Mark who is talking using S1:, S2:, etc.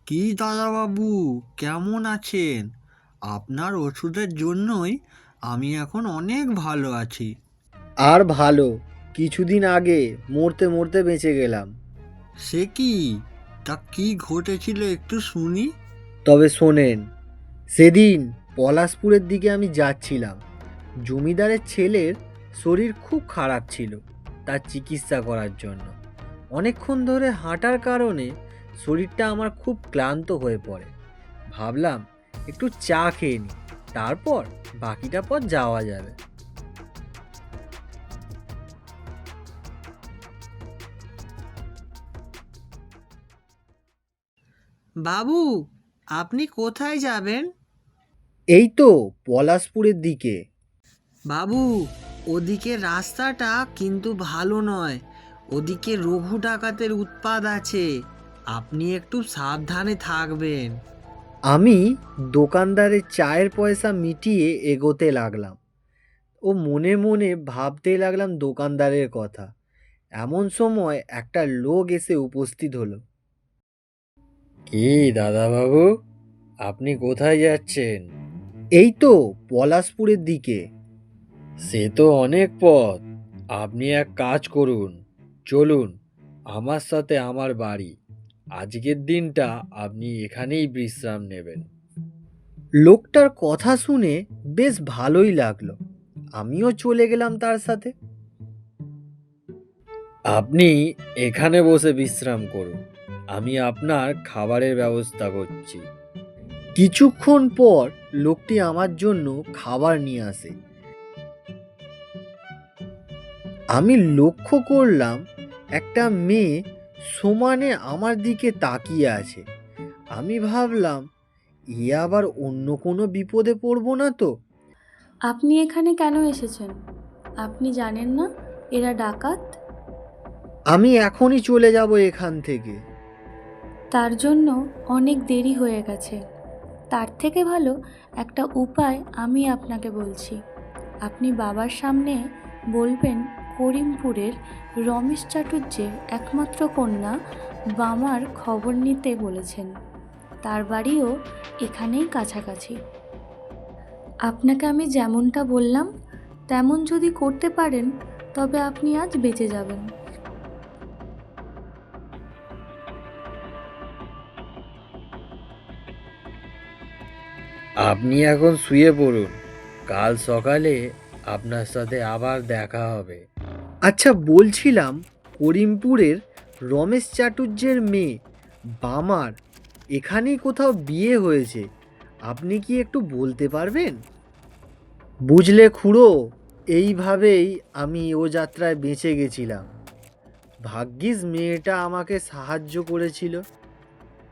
S1: কি দাদাবাবু, কেমন আছেন? আপনার ওষুধের জন্যই আমি এখন অনেক ভালো আছি।
S2: আর ভালো, কিছুদিন আগে মরতে মরতে বেঁচে গেলাম।
S1: সে কি? তা কি ঘটেছিল একটু শুনি।
S2: তবে শোনেন, সেদিন পলাশপুরের দিকে আমি যাচ্ছিলাম। জমিদারের ছেলের শরীর খুব খারাপ ছিল, তার চিকিৎসা করার জন্য। অনেকক্ষণ ধরে হাঁটার কারণে শরীরটা আমার খুব ক্লান্ত হয়ে পড়ে। ভাবলাম একটু চা খেয়ে নিই, তারপর বাকিটা পথ যাওয়া যাবে।
S1: বাবু, আপনি কোথায় যাবেন?
S2: এই তো পলাশপুরের দিকে।
S1: বাবু, ওদিকে রাস্তাটা কিন্তু ভালো নয়। ওদিকে রঘু ডাকাতের উৎপাত আছে। আপনি একটু সাবধানে থাকবেন।
S2: আমি দোকানদারের চায়ের পয়সা মিটিয়ে এগোতে লাগলাম ও মনে মনে ভাবতে লাগলাম দোকানদারের কথা। এমন সময় একটা লোক এসে উপস্থিত হলো। কি দাদাবাবু, আপনি কোথায় যাচ্ছেন? এই তো পলাশপুরের দিকে। সে তো অনেক পথ। আপনি এক কাজ করুন, চলুন আমার সাথে আমার বাড়ি। আজকের দিনটা আপনি এখানেই বিশ্রাম নেবেন। লোকটার কথা শুনে বেশ ভালোই লাগলো। আমিও চলে গেলাম তার সাথে। আপনি এখানে বসে বিশ্রাম করুন, আমি আপনার খাবারের ব্যবস্থা করছি। কিছুক্ষণ পর লোকটি আমার জন্য খাবার নিয়ে আসে। আমি লক্ষ্য করলাম একটা মেয়ে সমানে আমার দিকে তাকিয়ে আছে। আমি ভাবলাম, এ আবার অন্য কোনো বিপদে পড়বো না তো?
S3: আপনি এখানে কেন এসেছেন? আপনি জানেন না এরা ডাকাত?
S2: আমি এখনই চলে যাব এখান থেকে।
S3: তার জন্য অনেক দেরি হয়ে গেছে। তার থেকে ভালো একটা উপায় আমি আপনাকে বলছি। আপনি বাবার সামনে বলবেন করিমপুরের রমেশ চাটুর্যের একমাত্র কন্যা বামার খবর নিতে বলেছেন। তার বাড়িও এখানেই কাছাকাছি। আপনাকে আমি যেমনটা বললাম তেমন যদি করতে পারেন তবে আপনি আজ বেঁচে যাবেন।
S2: আপনি এখন শুয়ে পড়ুন, কাল সকালে আপনার সাথে আবার দেখা হবে। আচ্ছা, বলছিলাম, করিমপুরের রমেশ চাটুর্যের মেয়ে বামার এখানেই কোথাও বিয়ে হয়েছে। আপনি কি একটু বলতে পারবেন? বুঝলে খুড়ো, এইভাবেই আমি ও যাত্রায় বেঁচে গেছিলাম। ভাগ্যিস মেয়েটা আমাকে সাহায্য করেছিল।